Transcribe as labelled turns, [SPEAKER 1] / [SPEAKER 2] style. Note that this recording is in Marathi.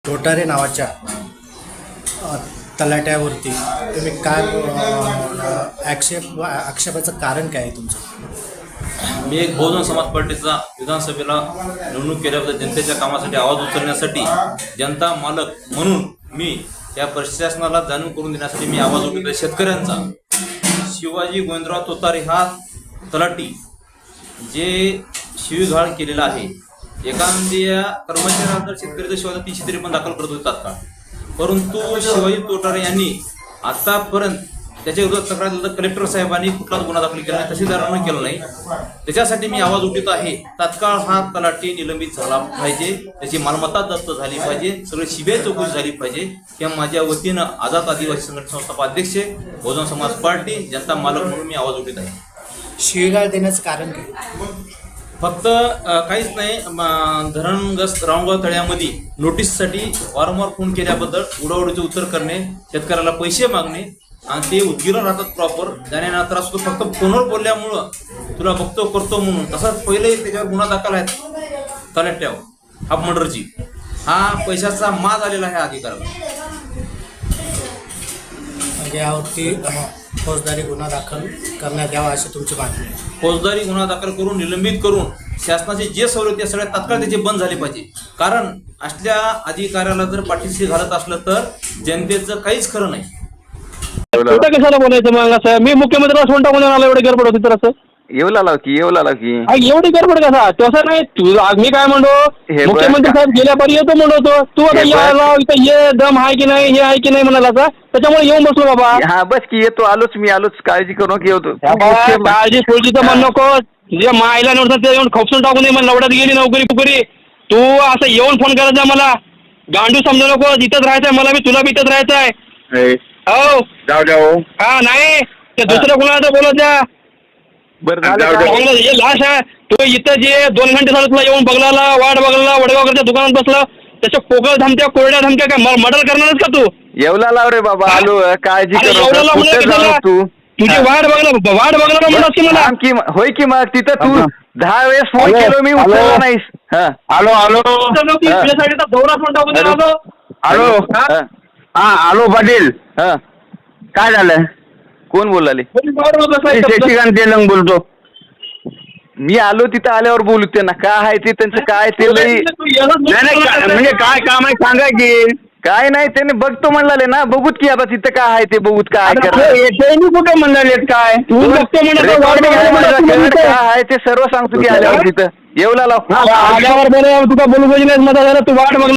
[SPEAKER 1] तोटारे नावाच्या तलाट्यावरती तुम्ही काय आक्षेपाचं कारण काय आहे तुमचं?
[SPEAKER 2] मी एक बहुजन समाज पार्टीचा विधानसभेला निवडणूक केल्याबद्दल जनतेच्या कामासाठी आवाज उचलण्यासाठी जनता मालक म्हणून मी या प्रशासनाला जाणून करून देण्यासाठी मी आवाज उठवतो शेतकऱ्यांचा. शिवाजी गोविंदराव तोतारे हा तलाठी जे शिवीगाळ केलेला आहे, एखाद्या कर्मचाऱ्याला तर शेतकऱ्याच्या शिवाय 353 दाखल करत होते तात्काळ, परंतु शिवाजी तोटारे यांनी आतापर्यंत त्याच्या विरोधात तक्रार दिली तर कलेक्टर साहेबांनी कुठलाच गुन्हा दाखल केला नाही, तहसीलदारांनी केला नाही. त्याच्यासाठी मी आवाज उठवत आहे. तात्काळ हा तलाठी निलंबित झाला पाहिजे, त्याची मालमत्ता जप्त झाली पाहिजे, सगळी सीबीआय चौकशी झाली पाहिजे. किंवा माझ्या वतीनं आझाद आदिवासी संघटना संस्था अध्यक्ष, बहुजन समाज पार्टी, जनता मालक म्हणून मी आवाज उठवत आहे.
[SPEAKER 1] शिवीगाळ देण्याचं कारण काय?
[SPEAKER 2] फक्त काहीच नाही, धरणग्रस्त रावणगाव तळ्यामध्ये नोटीससाठी वारंवार फोन केल्याबद्दल उडावडीचे उत्तर करणे, शेतकऱ्याला पैसे मागणे आणि ते उद्गिरण राहतात प्रॉपर. जाण्यानंतर असतो फक्त फोनवर बोलल्यामुळं तुला बघतो करतो म्हणून. तसाच पहिले त्याच्यावर गुन्हा दाखल आहेत तलाट्यावर हाफ मर्डरची. हा पैशाचा माज आलेला आहे अधिकाऱ्याला.
[SPEAKER 1] म्हणजे यावरती फौजदारी गुन्हा दाखल करण्यात यावा अशी तुमची मागणी आहे?
[SPEAKER 2] फौजदारी गुन्हा दाखल करून निलंबित करून शासनाचे जे सवलती सगळ्या तात्काळ त्याचे बंद झाले पाहिजे. कारण असल्या अधिकाऱ्याला जर पाठीशी घालत असलं तर जनतेचं काहीच खरं नाही.
[SPEAKER 3] कुठं कशाला बोलायचं मग असं? मी मुख्यमंत्र्याला फोन टाकून आला, एवढी गडबड होती तर असं
[SPEAKER 4] येऊ लागला की
[SPEAKER 3] एवढी गडबड कसा? तसं नाही. तुझं मी काय म्हणतो, मुख्यमंत्री साहेब गेल्यापारी येतो म्हणतो, तू आता या इथं ये, दम आहे की नाही, हे आहे की नाही म्हणाला का? त्याच्यामुळे येऊन बसलो बाबा.
[SPEAKER 4] हा बस की येतो, आलोच मी, आलोच, काळजी करू नका, येतो.
[SPEAKER 3] काळजी सोडीचं म्हण नको. तुझ्या मायला नव्हतं ते येऊन खोपसून टाकून दे. मला लवड्यात गेली नोकरी पुकरी. तू असं येऊन फोन करायचा मला, गांडू समजू नको. इथंच राहायचंय मला, मी तुला बी इथंच राहायचंय. हो
[SPEAKER 4] जाऊ जाऊ.
[SPEAKER 3] हा नाही ते दुसरं कोणाला बोलत जा. हे लाश आहे. तू इथं जे 2 घंटे झालं तुला येऊन बघला, वाट बघला, वडगावकरच्या दुकानात बसला, त्याच्या पोकळ धमक्या, कोरड्या धमक्या काय मर्डर करणारच का तू?
[SPEAKER 4] येवला लाव रे बाबा, आलो, काळजी करू तू.
[SPEAKER 3] तुझी वाट बघला म्हणत की मला
[SPEAKER 4] होय की मग तिथं तू 10 वेळेस फोन केलो मी, उचलला नाहीस.
[SPEAKER 3] आलो दौरा फोन टाकून
[SPEAKER 4] आलो.
[SPEAKER 3] हा आलो पाटील.
[SPEAKER 4] काय झालं? कोण बोलाले?
[SPEAKER 3] तेलंग बोलतो.
[SPEAKER 4] मी आलो, तिथं आल्यावर बोलू त्यांना. काय आहे ते त्यांचं, काय ते लई
[SPEAKER 3] म्हणजे काय काम आहे सांगा की.
[SPEAKER 4] काय नाही, त्याने बघतो म्हणलाले ना, बघूत की आता तिथं काय आहे ते, बघूत काय
[SPEAKER 3] कुठे म्हणाले काय
[SPEAKER 4] काय आहे ते सर्व सांगतो की आल्यावर तिथं. येवला लाव,
[SPEAKER 3] आल्यावर तुला बोलू पाहिजे नाही. तू वाट बघ.